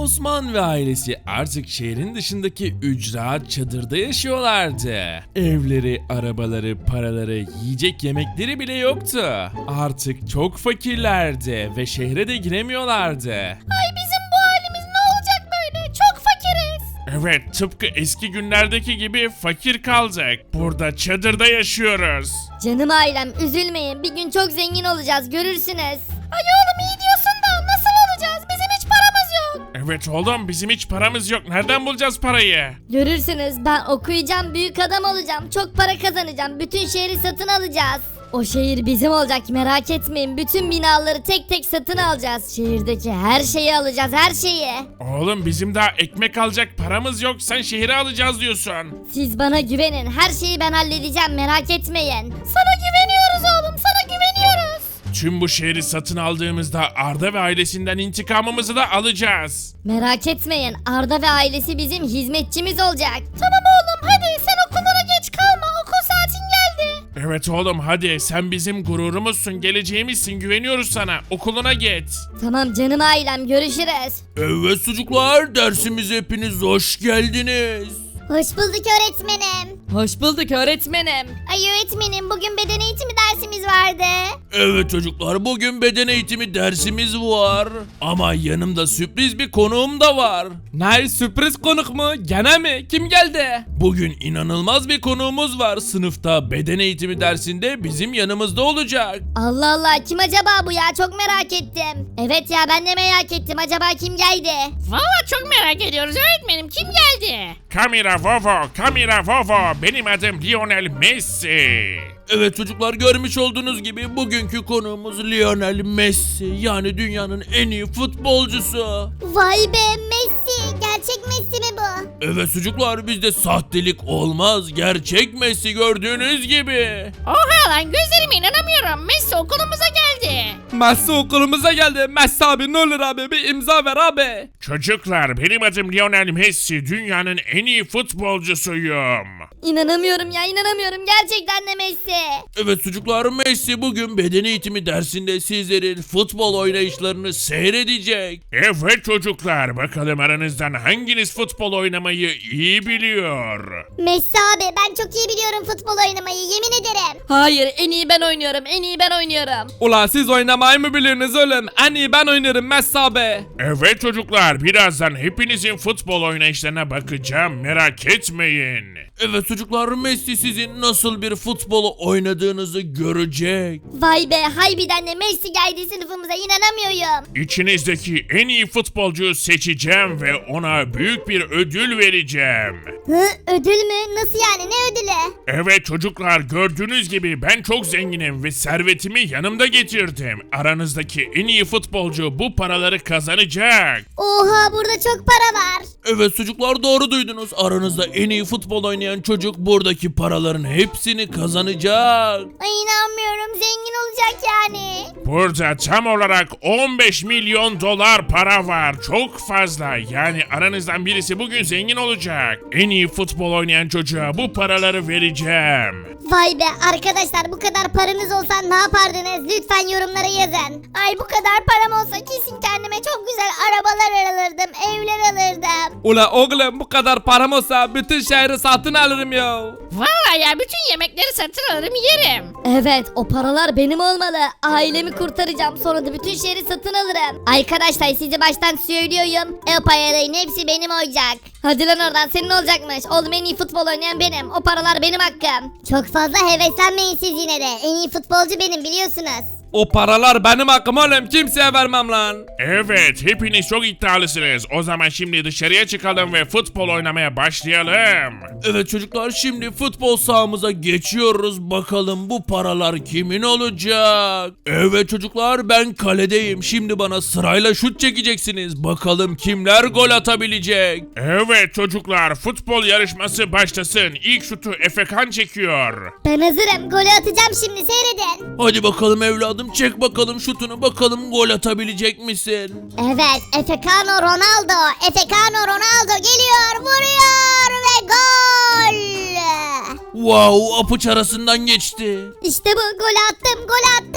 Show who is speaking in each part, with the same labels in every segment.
Speaker 1: Osman ve ailesi artık şehrin dışındaki ücra çadırda yaşıyorlardı. Evleri, arabaları, paraları, yiyecek yemekleri bile yoktu. Artık çok fakirlerdi ve şehre de giremiyorlardı.
Speaker 2: Ay bizim bu halimiz ne olacak böyle? Çok fakiriz.
Speaker 3: Evet, tıpkı eski günlerdeki gibi fakir kaldık. Burada çadırda yaşıyoruz.
Speaker 2: Canım ailem üzülmeyin. Bir gün çok zengin olacağız görürsünüz. Ay oğlum iyi diyorsun da nasıl olacağız? Bizim hiç paramız yok.
Speaker 3: Evet oğlum, bizim hiç paramız yok. Nereden bulacağız parayı?
Speaker 2: Görürsünüz ben okuyacağım büyük adam olacağım. Çok para kazanacağım. Bütün şehri satın alacağız. O şehir bizim olacak merak etmeyin. Bütün binaları tek tek satın alacağız. Şehirdeki her şeyi alacağız her şeyi.
Speaker 3: Oğlum bizim daha ekmek alacak paramız yok. Sen şehri alacağız diyorsun.
Speaker 2: Siz bana güvenin. Her şeyi ben halledeceğim merak etmeyin. Sana güveniyoruz oğlum sana güveniyoruz.
Speaker 3: Tüm bu şehri satın aldığımızda Arda ve ailesinden intikamımızı da alacağız.
Speaker 2: Merak etmeyin Arda ve ailesi bizim hizmetçimiz olacak. Tamam oğlum hadi sen okullara geç kalma okul saatin geldi.
Speaker 3: Evet oğlum hadi, sen bizim gururumuzsun, geleceğimizsin, güveniyoruz sana. Okuluna git.
Speaker 2: Tamam canım ailem görüşürüz.
Speaker 1: Evet çocuklar, dersimize hepiniz hoş geldiniz.
Speaker 2: Hoş bulduk öğretmenim.
Speaker 4: Hoş bulduk öğretmenim.
Speaker 2: Ay öğretmenim bugün beden eğitimi dersimiz vardı.
Speaker 1: Evet çocuklar, bugün beden eğitimi dersimiz var. Ama yanımda sürpriz bir konuğum da var.
Speaker 4: Ne sürpriz konuk mu? Gene mi? Kim geldi?
Speaker 1: Bugün inanılmaz bir konuğumuz var. Sınıfta beden eğitimi dersinde bizim yanımızda olacak.
Speaker 2: Allah Allah kim acaba bu ya çok merak ettim. Evet ya ben de merak ettim acaba kim geldi?
Speaker 5: Valla çok merak ediyoruz öğretmenim kim geldi?
Speaker 3: Kamera Vovo, Kamera Vovo. Benim adım Lionel Messi.
Speaker 1: Evet çocuklar, görmüş olduğunuz gibi bugünkü konuğumuz Lionel Messi. Yani dünyanın en iyi futbolcusu.
Speaker 2: Vay be Messi gerçek Messi mi bu?
Speaker 1: Evet çocuklar, bizde sahtelik olmaz. Gerçek Messi gördüğünüz gibi.
Speaker 5: Oha lan gözlerime inanamıyorum. Messi okulumuza geldi.
Speaker 4: Messi okulumuza geldi. Messi abi ne olur abi bir imza ver abi.
Speaker 3: Çocuklar, benim adım Lionel Messi. Dünyanın en iyi futbolcusuyum.
Speaker 2: İnanamıyorum ya inanamıyorum gerçekten de Messi.
Speaker 1: Evet çocuklar, Messi bugün beden eğitimi dersinde sizlerin futbol oynayışlarını seyredecek.
Speaker 3: Evet çocuklar, bakalım aranızdan hanginiz futbol oynamayı iyi biliyor?
Speaker 2: Messi abi ben çok iyi biliyorum futbol oynamayı yemin ederim.
Speaker 4: Hayır en iyi ben oynuyorum. En iyi ben oynuyorum. Ula siz oynamayı mı biliyorsunuz oğlum? En iyi ben oynarım Messi abi.
Speaker 3: Evet çocuklar, birazdan hepinizin futbol oynayışlarına bakacağım, merak etmeyin.
Speaker 1: Evet çocuklar, Messi sizin nasıl bir futbolu oynadığınızı görecek.
Speaker 2: Vay be harbiden de Messi geldi sınıfımıza inanamıyorum.
Speaker 3: İçinizdeki en iyi futbolcuyu seçeceğim ve ona büyük bir ödül vereceğim.
Speaker 2: Hı ödül mü? Nasıl yani ne ödülü?
Speaker 3: Evet çocuklar, gördüğünüz gibi ben çok zenginim ve servetimi yanımda getirdim. Aranızdaki en iyi futbolcu bu paraları kazanacak.
Speaker 2: Oha burada çok para var.
Speaker 1: Evet çocuklar, doğru duydunuz. Aranızda en iyi futbol oynayan çocuk buradaki paraların hepsini kazanacak.
Speaker 2: Ay inanmıyorum zengin olacak yani.
Speaker 3: Burada tam olarak 15 milyon dolar para var. Çok fazla. Yani aranızdan birisi bugün zengin olacak. En iyi futbol oynayan çocuğa bu paraları vereceğim.
Speaker 2: Vay be arkadaşlar bu kadar paranız olsa ne yapardınız? Lütfen yorumlara yazın. Ay bu kadar param olsa kesin kendime çok güzel arabalar alırdım, evler alırdım.
Speaker 4: Ula oğlum bu kadar param olsa bütün şehri satın alırım ya.
Speaker 5: Valla ya bütün yemekleri satın alırım yerim.
Speaker 2: Evet o paralar benim olmalı. Ailemi kurtaracağım sonra da bütün şehri satın alırım. Arkadaşlar sizi baştan söylüyorum. O paraların hepsi benim olacak. Hadi lan oradan senin olacakmış. Oğlum en iyi futbol oynayan benim. O paralar benim hakkım. Çok fazla heveslenmeyin siz yine de. En iyi futbolcu benim biliyorsunuz.
Speaker 4: O paralar benim hakkım oğlum kimseye vermem lan.
Speaker 3: Evet, hepiniz çok iddialısınız. O zaman şimdi dışarıya çıkalım ve futbol oynamaya başlayalım.
Speaker 1: Evet çocuklar, şimdi futbol sahamıza geçiyoruz. Bakalım bu paralar kimin olacak? Evet çocuklar, ben kaledeyim. Şimdi bana sırayla şut çekeceksiniz. Bakalım kimler gol atabilecek?
Speaker 3: Evet çocuklar, futbol yarışması başlasın. İlk şutu Efekan çekiyor.
Speaker 2: Ben hazırım. Golü atacağım şimdi seyredin.
Speaker 1: Hadi bakalım evladım, çek bakalım şutunu, bakalım gol atabilecek misin?
Speaker 2: Evet Efekano Ronaldo. Efekano Ronaldo geliyor vuruyor ve gol.
Speaker 1: Wow, apuç arasından geçti.
Speaker 2: İşte bu gol attım.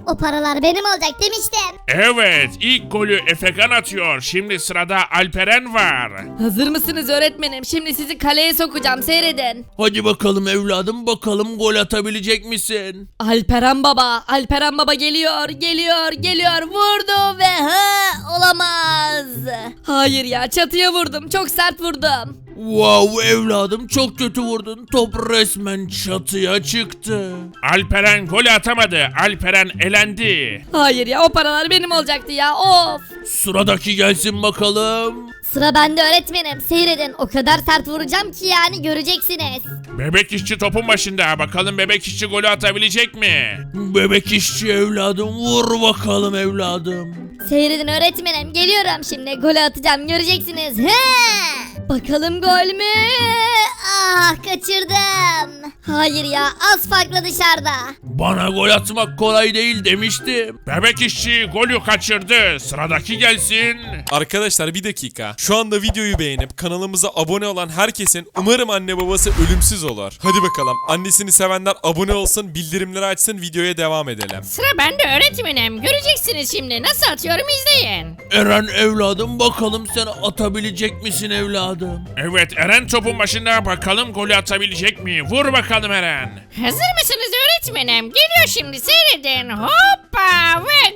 Speaker 2: O paralar benim olacak demiştim.
Speaker 3: Evet, ilk golü Efekan atıyor. Şimdi sırada Alperen var.
Speaker 4: Hazır mısınız öğretmenim? Şimdi sizi kaleye sokacağım, seyredin.
Speaker 1: Hadi bakalım evladım, bakalım gol atabilecek misin?
Speaker 4: Alperen Baba geliyor. Vurdu ve olamaz. Hayır ya, çatıya vurdum. Çok sert vurdum.
Speaker 1: Wow evladım, çok kötü vurdun. Top resmen çatıya çıktı.
Speaker 3: Alperen golü atamadı. Alperen elendi.
Speaker 4: Hayır ya, o paralar benim olacaktı ya. Of.
Speaker 1: Sıradaki gelsin bakalım.
Speaker 2: Sıra bende öğretmenim. Seyredin. O kadar sert vuracağım ki yani göreceksiniz.
Speaker 3: Bebek işçi topun başında. Bakalım bebek işçi golü atabilecek mi?
Speaker 1: Bebek işçi evladım, vur bakalım evladım.
Speaker 2: Seyredin öğretmenim. Geliyorum şimdi. Golü atacağım. Göreceksiniz. Bakalım gol mü? Ah, kaçırdım. Hayır ya, az farklı dışarıda.
Speaker 1: Bana gol atmak kolay değil demiştim.
Speaker 3: Bebek işçi golü kaçırdı. Sıradaki gelsin.
Speaker 6: Arkadaşlar bir dakika. Şu anda videoyu beğenip kanalımıza abone olan herkesin umarım anne babası ölümsüz olur. Hadi bakalım. Annesini sevenler abone olsun, bildirimleri açsın, videoya devam edelim.
Speaker 5: Sıra bende öğretmenim. Göreceksiniz şimdi. Nasıl atıyorum izleyin.
Speaker 1: Eren evladım, bakalım sen atabilecek misin evladım?
Speaker 3: Evet, Eren topun başında. Bakalım golü atabilecek mi? Vur bakalım Eren.
Speaker 5: Hazır mısınız öğretmenim? Geliyor şimdi, seyredin. Hoppa ve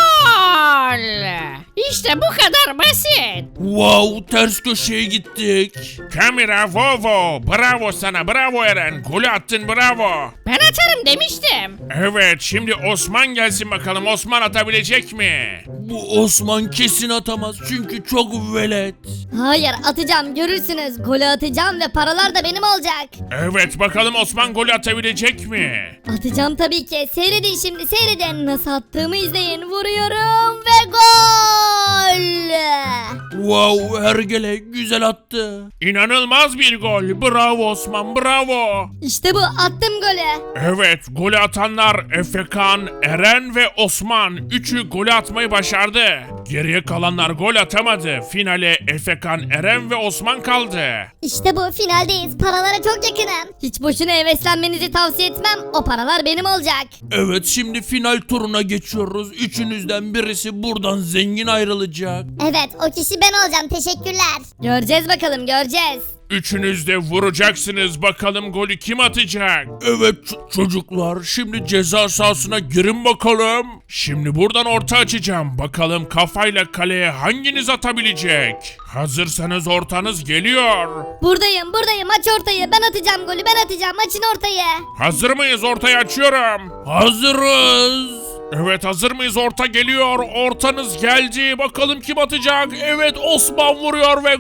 Speaker 5: gol. İşte bu kadar basit.
Speaker 1: Wow, ters köşeye gittik.
Speaker 3: Kamera Vovo. Bravo sana, bravo Eren. Golü attın, bravo.
Speaker 5: Ben atarım demiştim.
Speaker 3: Evet, şimdi Osman gelsin bakalım. Osman atabilecek mi?
Speaker 1: Bu Osman kesin atamaz çünkü çok velet.
Speaker 2: Hayır, atacağım. Görürsünüz. Golü atacağım ve paralar da benim olacak.
Speaker 3: Evet, bakalım Osman golü atabilecek mi?
Speaker 2: Atacağım tabii ki. Seyredin şimdi, seyredin. Nasıl attığımı izleyin. Vuruyorum ve gol.
Speaker 1: Wow, hergele güzel attı.
Speaker 3: İnanılmaz bir gol. Bravo Osman, bravo.
Speaker 2: İşte bu, attım golü.
Speaker 3: Evet, golü atanlar Efekan, Eren ve Osman. Üçü golü atmayı başardı. Geriye kalanlar gol atamadı. Finale Efekan, Eren ve Osman kaldı.
Speaker 2: İşte bu, finaldeyiz. Paralara çok yakınım. Hiç boşuna heveslenmenizi tavsiye etmem. O paralar benim olacak.
Speaker 1: Evet, şimdi final turuna geçiyoruz. Üçünüzden birisi buradan zengin ayrılacak.
Speaker 2: Evet, o kişi ben olacağım. Teşekkürler. Göreceğiz bakalım, göreceğiz.
Speaker 3: Üçünüz de vuracaksınız. Bakalım golü kim atacak?
Speaker 1: Evet çocuklar, şimdi ceza sahasına girin bakalım.
Speaker 3: Şimdi buradan orta açacağım. Bakalım kafayla kaleye hanginiz atabilecek? Hazırsanız ortanız geliyor.
Speaker 2: Buradayım. Aç ortayı. Ben atacağım golü. Ben atacağım. Açın ortayı.
Speaker 3: Hazır mıyız? Ortayı açıyorum.
Speaker 1: Hazırız.
Speaker 3: Evet, hazır mıyız? Orta geliyor. Ortanız geldi. Bakalım kim atacak? Evet, Osman vuruyor ve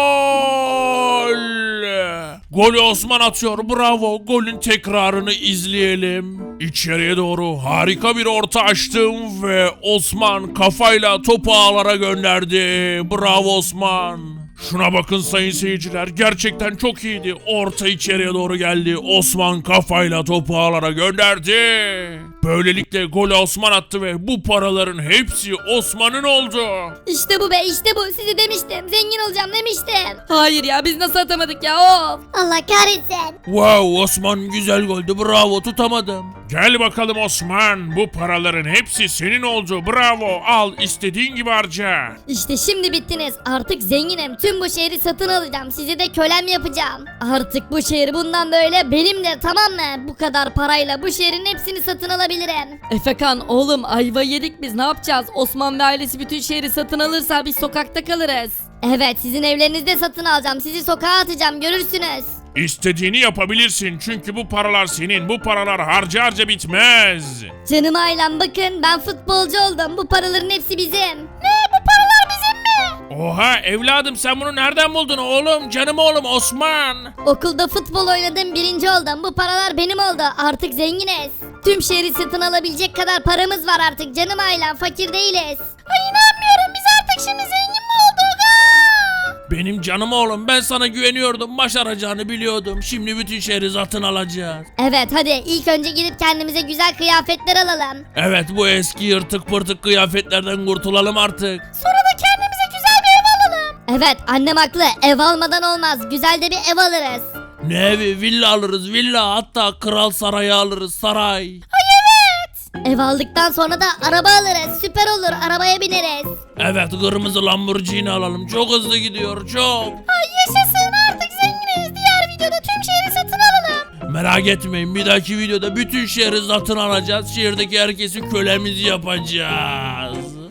Speaker 3: gol. Golü Osman atıyor. Bravo. Golün tekrarını izleyelim. İçeriye doğru harika bir orta açtım ve Osman kafayla topu ağlara gönderdi. Bravo Osman. Şuna bakın sayın seyirciler, gerçekten çok iyiydi. Orta içeriye doğru geldi. Osman kafayla topu ağlara gönderdi. Böylelikle golü Osman attı ve bu paraların hepsi Osman'ın oldu.
Speaker 2: İşte bu be, işte bu. Size demiştim. Zengin olacağım demiştim.
Speaker 4: Hayır ya, biz nasıl atamadık ya, of.
Speaker 2: Allah kahretsin.
Speaker 1: Wow, Osman güzel goldü, bravo, tutamadım.
Speaker 3: Gel bakalım Osman, bu paraların hepsi senin oldu. Bravo, al istediğin gibi harca.
Speaker 2: İşte şimdi bittiniz. Artık zenginim. Tüm bu şehri satın alacağım. Sizi de kölem yapacağım. Artık bu şehir bundan böyle benimdir, tamam mı? Bu kadar parayla bu şehrin hepsini satın alabilirim.
Speaker 4: Efekan oğlum, ayva yedik biz, ne yapacağız? Osman ve ailesi bütün şehri satın alırsa biz sokakta kalırız.
Speaker 2: Evet, sizin evlerinizi de satın alacağım. Sizi sokağa atacağım, görürsünüz.
Speaker 3: İstediğini yapabilirsin çünkü bu paralar senin. Bu paralar harca harca bitmez.
Speaker 2: Canım ailem, bakın ben futbolcu oldum. Bu paraların hepsi bizim. Ne? Bu paralar bizim mi?
Speaker 3: Oha evladım, sen bunu nereden buldun oğlum? Canım oğlum Osman.
Speaker 2: Okulda futbol oynadım, birinci oldum. Bu paralar benim oldu. Artık zenginiz. Tüm şehri satın alabilecek kadar paramız var artık. Canım ailem, fakir değiliz. Ay inanmıyorum, biz artık şimdi zengin mi olduk?
Speaker 1: Benim canım oğlum, ben sana güveniyordum, başaracağını biliyordum. Şimdi bütün şehri satın alacağız.
Speaker 2: Evet, hadi ilk önce gidip kendimize güzel kıyafetler alalım.
Speaker 1: Evet, bu eski yırtık pırtık kıyafetlerden kurtulalım artık.
Speaker 2: Sonra da kendimize güzel bir ev alalım. Evet, annem haklı. Ev almadan olmaz. Güzel de bir ev alırız.
Speaker 1: Ne evi? Villa alırız, villa, hatta kral sarayı alırız, saray.
Speaker 2: Ay evet. Ev aldıktan sonra da araba alırız. Süper olur, arabaya bineriz.
Speaker 1: Evet, kırmızı Lamborghini alalım. Çok hızlı gidiyor, çok.
Speaker 2: Ay yaşasın, artık zenginiz. Diğer videoda tüm şehri satın alalım.
Speaker 1: Merak etmeyin, bir dahaki videoda bütün şehri satın alacağız. Şehirdeki herkesi kölemiz yapacağız.